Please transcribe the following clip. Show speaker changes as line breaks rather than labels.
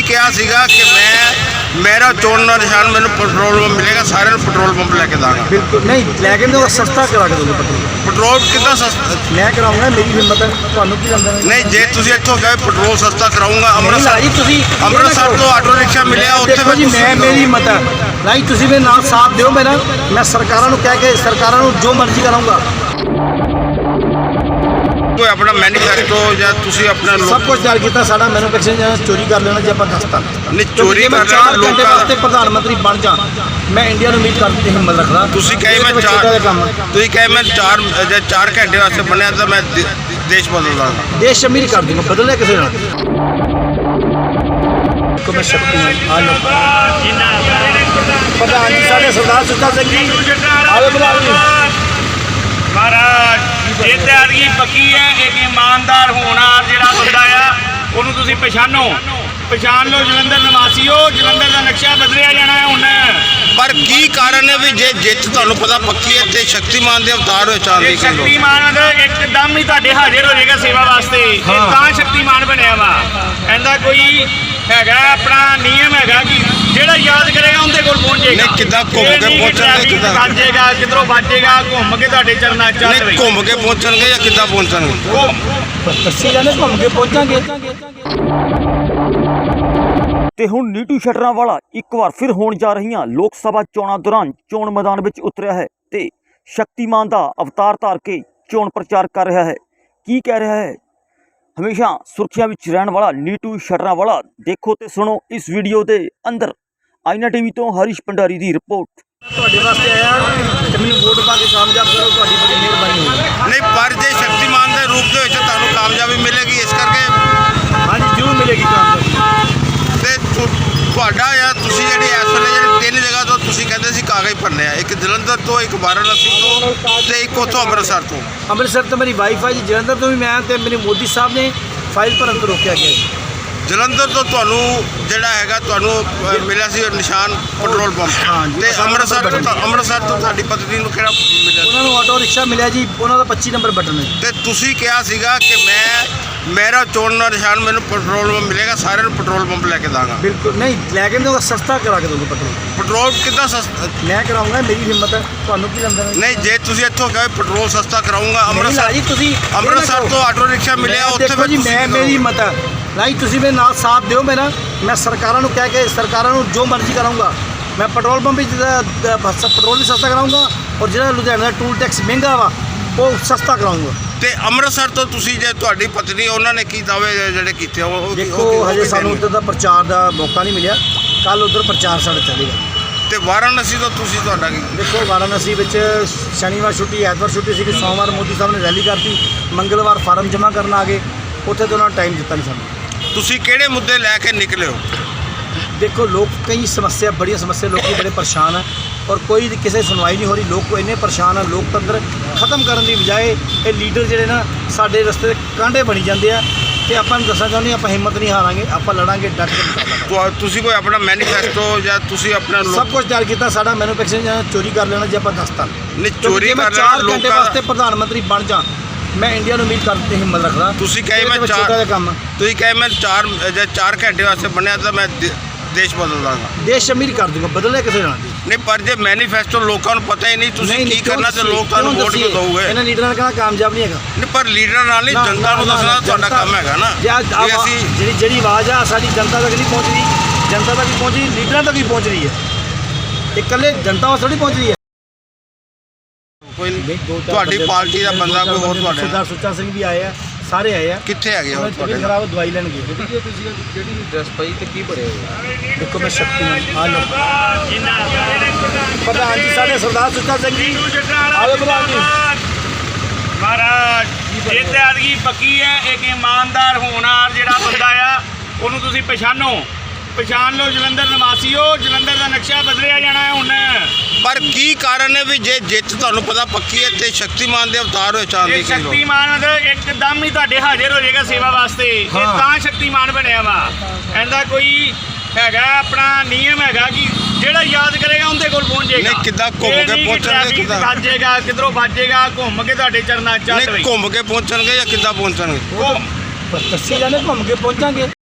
ਕਿਹਾ ਸੀਗਾ ਕਿ ਮੇਰਾ ਚੋਣ ਦਾ ਨਿਸ਼ਾਨ ਮੈਨੂੰ ਪੈਟਰੋਲ ਪੰਪ ਮਿਲੇਗਾ, ਸਾਰਿਆਂ ਨੂੰ ਪੈਟਰੋਲ ਪੰਪ ਲੈ ਕੇ ਦਾਂਗਾ।
ਬਿਲਕੁਲ ਨਹੀਂ ਲੈ ਕੇ ਦੋ, ਸਸਤਾ ਕਰਾ ਕੇ ਦੋਗੇ
ਪੈਟਰੋਲ ਕਿੱਦਾਂ ਸਸਤਾ?
ਮੈਂ ਕਰਾਉਂਗਾ, ਮੇਰੀ ਹਿੰਮਤ ਹੈ, ਤੁਹਾਨੂੰ ਕੀ ਕਰਨਾ?
ਨਹੀਂ, ਜੇ ਤੁਸੀਂ ਇੱਥੋਂ ਕਹੇ ਪੈਟਰੋਲ ਸਸਤਾ ਕਰਾਉਂਗਾ,
ਤੁਸੀਂ
ਅੰਮ੍ਰਿਤਸਰ ਤੋਂ ਆਟੋ ਰਿਕਸ਼ਾ ਮਿਲਿਆ ਉੱਥੇ
ਦੇਖੋ ਜੀ, ਮੇਰੀ ਹਿੰਮਤ ਹੈ ਨਹੀਂ, ਤੁਸੀਂ ਮੇਰੇ ਨਾਲ ਸਾਥ ਦਿਓ ਮੇਰਾ, ਮੈਂ ਸਰਕਾਰਾਂ ਨੂੰ ਕਹਿ ਕੇ ਸਰਕਾਰਾਂ ਨੂੰ ਜੋ ਮਰਜ਼ੀ ਕਰਾਉਂਗਾ।
ਕੋਈ ਆਪਣਾ ਮੈਨੀਫੈਸਟੋ ਜਾਂ ਤੁਸੀਂ ਆਪਣਾ
ਸਭ ਕੁਝ ਤਿਆਰ ਕੀਤਾ ਸਾਡਾ। ਮੈਨੂਫੈਕਚਰਿੰਗ ਜਾਂ ਚੋਰੀ ਕਰ ਲੈਣਾ ਜੇ ਆਪਾਂ ਦੱਸਤਾ
ਨਹੀਂ, ਚੋਰੀ ਕਰ ਲੈਣਾ
4 ਘੰਟੇ ਵਾਸਤੇ ਪ੍ਰਧਾਨ ਮੰਤਰੀ ਬਣ ਜਾ, ਮੈਂ ਇੰਡੀਆ ਨੂੰ ਉਮੀਦ ਕਰਨ ਦੀ ਹਿੰਮਤ ਰੱਖਦਾ।
ਤੁਸੀਂ ਕਹੇ ਮੈਂ 4 ਘੰਟੇ ਵਾਸਤੇ ਬਣਿਆ ਤਾਂ ਮੈਂ ਦੇਸ਼ ਬਦਲ ਦਾਂਗਾ,
ਦੇਸ਼ ਅਮੀਰ ਕਰ ਦੂੰਗਾ, ਬਦਲਿਆ ਕਿਸੇ ਨਾਲ। ਮੈਂ ਸ਼ਕਤੀ ਆ ਲੋ ਪ੍ਰਧਾਨ ਜੀ ਸਾਡੇ ਸਰਦਾਰ ਸੁੱਚਾ ਸਿੰਘ ਜੀ ਆਵੇ ਬੁਲਾਓ ਜੀ
ਮਹਾਰਾਜ। ਇਹ ਤਿਆਰੀ ਪੱਕੀ ਹੈ। ਇੱਕ ਇਮਾਨਦਾਰ ਹੋਣਹਾਰ ਜਿਹੜਾ ਬੰਦਾ ਆ ਉਹਨੂੰ ਤੁਸੀਂ ਪਛਾਣ ਲਓ। ਜਲੰਧਰ ਨਿਵਾਸੀਓ, ਜਲੰਧਰ ਦਾ ਨਕਸ਼ਾ ਬਦਲਿਆ ਜਾਣਾ ਹੈ ਹੁਣ।
ਪਰ ਕੀ ਕਾਰਨ ਹੈ ਵੀ ਜੇ ਜਿੱਤ ਤੁਹਾਨੂੰ ਪਤਾ ਪੱਕੀ ਹੈ ਤੇ ਸ਼ਕਤੀਮਾਨ ਦੇ ਅਵਤਾਰ ਹੋਏ ਚਾਂਦੀ ਕਿਲੋ?
ਸ਼ਕਤੀਮਾਨ ਮਤਲਬ ਇੱਕਦਮ ਹੀ ਤੁਹਾਡੇ ਹਾਜ਼ਰ ਹੋ ਜਾਏਗਾ ਸੇਵਾ ਵਾਸਤੇ, ਇਹ ਤਾਂ ਸ਼ਕਤੀਮਾਨ ਬਣਿਆ ਵਾ। ਇਹਦਾ ਕੋਈ ਹੈਗਾ ਆਪਣਾ ਨਿਯਮ ਹੈਗਾ ਕਿ ਜਿਹੜਾ ਯਾਦ ਕਰੇਗਾ ਉਹਦੇ ਕੋਲ ਪਹੁੰਚੇਗਾ।
ਨਹੀਂ, ਕਿੱਦਾਂ ਘੁੰਮ ਕੇ ਪਹੁੰਚਣਗੇ? ਕਿੱਦਾਂ
ਵੱਜੇਗਾ, ਕਿਧਰੋਂ ਵੱਜੇਗਾ, ਘੁੰਮ ਕੇ ਤੁਹਾਡੇ ਚਰਨਾਂ ਚ ਚੱਲ
ਨਹੀਂ, ਘੁੰਮ ਕੇ ਪਹੁੰਚਣਗੇ ਜਾਂ ਕਿੱਦਾਂ ਪਹੁੰਚਣਗੇ?
ਦੱਸੀ ਜਾਂਦੇ ਘੁੰਮ ਕੇ ਪਹੁੰਚਾਂਗੇ।
ਤੇ ਹੁਣ ਨੀਟੂ ਸ਼ਟਰਾਂਵਾਲਾ ਇੱਕ ਵਾਰ ਫਿਰ ਹੋਣ ਜਾ ਰਹੀਆਂ ਲੋਕ ਸਭਾ ਚੋਣਾਂ ਦੌਰਾਨ ਚੋਣ ਮੈਦਾਨ ਵਿੱਚ ਉਤਰਿਆ ਹੈ ਤੇ ਸ਼ਕਤੀਮਾਨ ਦਾ ਅਵਤਾਰ ਧਾਰ ਕੇ ਚੋਣ ਪ੍ਰਚਾਰ ਕਰ ਰਿਹਾ ਹੈ। ਕੀ ਕਹਿ ਰਿਹਾ ਹੈ? ਹਮੇਸ਼ਾ ਸੁਰਖੀਆਂ ਵਿੱਚ ਰਹਿਣ ਵਾਲਾ ਨੀਟੂ ਸ਼ਟਰਾਂਵਾਲਾ, ਦੇਖੋ ਤੇ ਸੁਣੋ ਇਸ ਵੀਡੀਓ ਦੇ ਅੰਦਰ। ਆਈਨਾ ਟੀਵੀ ਤੋਂ ਹਰੀਸ਼ ਭੰਡਾਰੀ ਦੀ ਰਿਪੋਰਟ।
ਤੁਹਾਡੇ ਵਾਸਤੇ ਆਇਆ ਤੇ ਮੈਨੂੰ ਵੋਟ ਪਾ ਕੇ ਕਾਮਯਾਬ ਕਰੋ, ਤੁਹਾਡੀ ਬੜੀ ਮਿਹਰਬਾਨੀ ਹੋਵੇਗੀ।
ਨਹੀਂ, ਪਰ ਜੇ ਸ਼ਕਤੀਮਾਨ ਦੇ ਰੂਪ ਦੇ ਵਿੱਚ ਤੁਹਾਨੂੰ ਕਾਮਯਾਬੀ ਮਿਲੇਗੀ, ਇਸ ਕਰਕੇ
ਹਾਂਜੀ ਜ਼ਰੂਰ ਮਿਲੇਗੀ ਕਾਮਯਾਬੀ।
ਤੇ ਤੁਹਾਡਾ ਜਾਂ ਤੁਸੀਂ ਜਿਹੜੀ ਇਸ ਵੇਲੇ ਜਿਹੜੀ 3 ਜਗ੍ਹਾ ਤੋਂ ਤੁਸੀਂ ਕਹਿੰਦੇ ਸੀ ਕਾਗਜ਼ ਭਰਨੇ ਆ, ਇੱਕ ਜਲੰਧਰ ਤੋਂ, ਇੱਕ ਵਾਰਾਣਸੀ ਤੋਂ ਤੇ ਇੱਕ ਉੱਥੋਂ ਅੰਮ੍ਰਿਤਸਰ ਤੋਂ।
ਅੰਮ੍ਰਿਤਸਰ ਤੋਂ ਮੇਰੀ ਵਾਈਫ ਹੈ ਜੀ, ਜਲੰਧਰ ਤੋਂ ਵੀ ਮੈਂ ਤੇ ਮੇਰੇ ਮੋਦੀ ਸਾਹਿਬ ਨੇ ਫਾਈਲ ਭਰਨ ਤੋਂ ਰੋਕਿਆ ਗਿਆ ਜੀ।
ਜਲੰਧਰ ਤੋਂ ਤੁਹਾਨੂੰ ਜਿਹੜਾ ਹੈਗਾ ਤੁਹਾਨੂੰ ਮਿਲਿਆ ਸੀ ਨਿਸ਼ਾਨ ਪੈਟਰੋਲ ਪੰਪ, ਤੇ ਅੰਮ੍ਰਿਤਸਰ ਤੋਂ ਤੁਹਾਡੀ ਪਤਨੀ ਨੂੰ ਕਿਹੜਾ ਮਿਲਿਆ?
ਉਹਨਾਂ ਨੂੰ ਆਟੋ ਰਿਕਸ਼ਾ ਮਿਲਿਆ ਜੀ, ਉਹਨਾਂ ਦਾ 25 ਨੰਬਰ ਬਟਨ ਹੈ।
ਤੇ ਤੁਸੀਂ ਕਿਹਾ ਸੀਗਾ ਕਿ ਮੇਰਾ ਚੋਣ ਦਾ ਨਿਸ਼ਾਨ ਮੈਨੂੰ ਪੈਟਰੋਲ ਪੰਪ ਮਿਲੇਗਾ, ਸਾਰਿਆਂ ਨੂੰ ਪੈਟਰੋਲ ਪੰਪ ਲੈ ਕੇ ਦਾਂਗਾ।
ਬਿਲਕੁਲ ਨਹੀਂ ਲੈ ਕੇ ਦੋ, ਸਸਤਾ ਕਰਾ ਕੇ ਦੋਗੇ
ਪੈਟਰੋਲ ਕਿੱਦਾਂ ਸਸਤਾ?
ਮੈਂ ਕਰਾਉਂਗਾ, ਮੇਰੀ ਹਿੰਮਤ ਹੈ, ਤੁਹਾਨੂੰ ਕੀ ਕਰਨਾ?
ਨਹੀਂ, ਜੇ ਤੁਸੀਂ ਇੱਥੋਂ ਕਹੇ ਪੈਟਰੋਲ ਸਸਤਾ ਕਰਾਉਂਗਾ, ਅੰਮ੍ਰਿਤਸਰ ਤੋਂ ਆਟੋ ਰਿਕਸ਼ਾ ਮਿਲਿਆ ਉੱਥੇ।
ਦੇਖੋ ਜੀ, ਮੇਰੀ ਹਿੰਮਤ ਹੈ ਨਹੀਂ, ਤੁਸੀਂ ਮੇਰੇ ਨਾਲ ਸਾਥ ਦਿਓ ਮੇਰਾ, ਮੈਂ ਸਰਕਾਰਾਂ ਨੂੰ ਕਹਿ ਕੇ ਸਰਕਾਰਾਂ ਨੂੰ ਜੋ ਮਰਜ਼ੀ ਕਰਾਉਂਗਾ। ਮੈਂ ਪੈਟਰੋਲ ਪੰਪ ਵਿੱਚ ਪੈਟਰੋਲ ਵੀ ਸਸਤਾ ਕਰਾਉਂਗਾ, ਔਰ ਜਿਹੜਾ ਲੁਧਿਆਣਾ ਦਾ ਟੂਲ ਟੈਕਸ ਮਹਿੰਗਾ ਵਾ ਉਹ ਸਸਤਾ ਕਰਾਉਂਗਾ।
ਤੇ ਅੰਮ੍ਰਿਤਸਰ ਤੋਂ ਤੁਸੀਂ ਜੇ ਤੁਹਾਡੀ ਪਤਨੀ ਉਹਨਾਂ ਨੇ ਕੀ ਦਾਅਵੇ ਜਿਹੜੇ ਕੀਤੇ
ਦੇਖੋ ਹਜੇ ਸਾਨੂੰ ਉੱਧਰ ਦਾ ਪ੍ਰਚਾਰ ਦਾ ਮੌਕਾ ਨਹੀਂ ਮਿਲਿਆ, ਕੱਲ ਉੱਧਰ ਪ੍ਰਚਾਰ ਸਾਡਾ ਚੱਲੇਗਾ।
ਤੇ ਵਾਰਾਣਸੀ ਤੋਂ ਤੁਸੀਂ ਤੁਹਾਡਾ ਕੀ?
ਦੇਖੋ ਵਾਰਾਣਸੀ ਵਿੱਚ ਸ਼ਨੀਵਾਰ ਛੁੱਟੀ, ਐਤਵਾਰ ਛੁੱਟੀ ਸੀ, ਸੋਮਵਾਰ ਮੋਦੀ ਸਾਹਿਬ ਨੇ ਰੈਲੀ ਕਰਤੀ, ਮੰਗਲਵਾਰ ਫਾਰਮ ਜਮ੍ਹਾਂ ਕਰਨ ਆ ਗਏ, ਉੱਥੇ ਤੋਂ ਉਹਨਾਂ ਟਾਈਮ ਦਿੱਤਾ ਨਹੀਂ ਸਾਨੂੰ।
ਤੁਸੀਂ ਕਿਹੜੇ ਮੁੱਦੇ ਲੈ ਕੇ ਨਿਕਲੇ ਹੋ?
ਦੇਖੋ ਲੋਕ ਕਈ ਸਮੱਸਿਆ, ਬੜੀਆਂ ਸਮੱਸਿਆ, ਲੋਕੀ ਬੜੇ ਪਰੇਸ਼ਾਨ ਹੈ ਔਰ ਕੋਈ ਕਿਸੇ ਸੁਣਵਾਈ ਨਹੀਂ ਹੋ ਰਹੀ। ਲੋਕ ਇੰਨੇ ਪਰੇਸ਼ਾਨ ਆ, ਲੋਕਤੰਤਰ ਖਤਮ ਕਰਨ ਦੀ ਬਜਾਏ ਇਹ ਲੀਡਰ ਜਿਹੜੇ ਨਾ ਸਾਡੇ ਰਸਤੇ ਦੇ ਕਾਂਢੇ ਬਣੀ ਜਾਂਦੇ ਆ। ਤੇ ਆਪਾਂ ਨੂੰ ਦੱਸਣਾ ਚਾਹੁੰਦੇ ਆਪਾਂ ਹਿੰਮਤ ਨਹੀਂ ਹਾਰਾਂਗੇ, ਆਪਾਂ ਲੜਾਂਗੇ ਡਟ ਕੇ।
ਤੁਸੀਂ ਕੋਈ ਆਪਣਾ ਮੈਨੀਫੈਸਟੋ ਜਾਂ ਤੁਸੀਂ ਆਪਣਾ
ਸਭ ਕੁਝ ਤਿਆਰ ਕੀਤਾ ਸਾਡਾ। ਮੈਨੂਫੈਕਚਰਿੰਗ ਜਾਂ ਚੋਰੀ ਕਰ ਲੈਣਾ ਜੇ ਆਪਾਂ ਦੱਸਤਾ
ਨਹੀਂ, ਚੋਰੀ ਕਰ ਲੈਣਾ
4 ਘੰਟੇ ਵਾਸਤੇ ਪ੍ਰਧਾਨ ਮੰਤਰੀ ਬਣ ਜਾ, ਮੈਂ ਇੰਡੀਆ ਨੂੰ ਉਮੀਦ ਕਰਨ ਦੀ ਹਿੰਮਤ ਰੱਖਦਾ।
ਤੁਸੀਂ ਕਹੇ ਮੈਂ 4 ਘੰਟੇ ਵਾਸਤੇ ਬਣਿਆ ਤਾਂ ਮੈਂ ਦੇਸ਼ ਬਦਲ ਦਾਂਗਾ,
ਦੇਸ਼ ਅਮੀਰ ਕਰ ਦੂੰਗਾ, ਬਦਲਿਆ ਕਿਸੇ ਨਾਲ।
ਨਹੀਂ, ਪਰ ਜੇ ਮੈਨੀਫੈਸਟੋ ਲੋਕਾਂ ਨੂੰ ਪਤਾ ਹੀ ਨਹੀਂ ਤੁਸੀਂ ਕੀ ਕਰਨਾ ਤੇ ਲੋਕ ਤੁਹਾਨੂੰ ਵੋਟ ਕਿਉਂ ਦਊਗੇ?
ਇਹਨਾਂ ਲੀਡਰਾਂ ਨੇ ਕਹਿਣਾ ਕਾਮਯਾਬ ਨਹੀਂ ਹੈਗਾ।
ਨਹੀਂ, ਪਰ ਲੀਡਰਾਂ ਨਾਲ ਨਹੀਂ, ਜਨਤਾ ਨੂੰ ਦੱਸਣਾ ਤੁਹਾਡਾ ਕੰਮ ਹੈਗਾ ਨਾ।
ਅਸੀਂ ਜਿਹੜੀ ਆਵਾਜ਼ ਆ ਸਾਡੀ ਜਨਤਾ ਤੱਕ ਨਹੀਂ ਪਹੁੰਚ ਰਹੀ, ਜਨਤਾ ਤੱਕ ਹੀ ਪਹੁੰਚ ਰਹੀ, ਲੀਡਰਾਂ ਤੱਕ ਹੀ ਪਹੁੰਚ ਰਹੀ ਹੈ, ਇਕੱਲੇ ਜਨਤਾ ਵਾਸਤੇ ਥੋੜੀ ਪਹੁੰਚ ਰਹੀ ਹੈ।
ਕੋਈ ਤੁਹਾਡੀ ਪਾਰਟੀ ਦਾ ਬੰਦਾ ਕੋਈ ਹੋਰ ਤੁਹਾਡੇ
ਸਰਦਾਰ ਸੁੱਚਾ ਸਿੰਘ ਵੀ ਆਏ ਆ, ਸਾਰੇ ਆਏ ਆ।
ਕਿੱਥੇ ਹੈਗੇ ਉਹ ਤੁਹਾਡੇ?
ਖਰਾਬ ਦਵਾਈ ਲੈਣ ਗਏ।
ਤੁਸੀਂ ਜਿਹੜੀ ਡਰੈਸ ਪਾਈ ਤੇ ਕੀ ਪੜਿਆ ਹੋਇਆ?
ਦੇਖੋ ਮੈਂ ਸ਼ਕਤੀਮਾਨ ਆ ਲੋ ਪ੍ਰਧਾਨ ਜੀ ਸਾਡੇ ਸਰਦਾਰ ਸੁੱਚਾ ਸਿੰਘ ਜੀ ਆਵੇ ਬੁਲਾਓ ਜੀ
ਮਹਾਰਾਜ। ਇਹ ਤਿਆਰੀ ਪੱਕੀ ਹੈ। ਇੱਕ ਇਮਾਨਦਾਰ ਹੋਣਹਾਰ ਜਿਹੜਾ ਬੰਦਾ ਆ ਉਹਨੂੰ ਤੁਸੀਂ ਪਛਾਣ ਲਓ। ਜਲੰਧਰ ਨਿਵਾਸੀਓ, ਜਲੰਧਰ ਦਾ ਨਕਸ਼ਾ ਬਦਲਿਆ ਜਾਣਾ ਹੈ ਹੁਣ।
ਪਰ ਕੀ ਕਾਰਨ ਹੈ ਵੀ ਜੇ ਜਿੱਤ ਤੁਹਾਨੂੰ ਪਤਾ ਪੱਕੀ ਹੈ ਤੇ ਸ਼ਕਤੀਮਾਨ ਦੇ ਅਵਤਾਰ ਹੋਏ ਚਾਂਦੀ ਕਿਲੋ?
ਸ਼ਕਤੀਮਾਨ ਮਤਲਬ ਇੱਕਦਮ ਹੀ ਤੁਹਾਡੇ ਹਾਜ਼ਰ ਹੋ ਜਾਏਗਾ ਸੇਵਾ ਵਾਸਤੇ, ਇਹ ਤਾਂ ਸ਼ਕਤੀਮਾਨ ਬਣਿਆ ਵਾ। ਇਹਦਾ ਕੋਈ ਹੈਗਾ ਆਪਣਾ ਨਿਯਮ ਹੈਗਾ ਕਿ ਜਿਹੜਾ ਯਾਦ ਕਰੇਗਾ ਉਹਦੇ ਕੋਲ ਪਹੁੰਚੇਗਾ।
ਨਹੀਂ, ਕਿੱਦਾਂ ਘੁੰਮ ਕੇ ਪਹੁੰਚਣਗੇ? ਕਿੱਦਾਂ
ਵੱਜੇਗਾ, ਕਿਧਰੋਂ ਵੱਜੇਗਾ, ਘੁੰਮ ਕੇ ਤੁਹਾਡੇ ਚਰਨਾਂ ਚ ਚੱਲ।
ਘੁੰਮ ਕੇ ਪਹੁੰਚਣਗੇ ਜਾਂ ਕਿੱਦਾਂ ਪਹੁੰਚਣਗੇ?
ਦੱਸੀ ਜਾਂਦੇ ਘੁੰਮ ਕੇ ਪਹੁੰਚਾਂਗੇ।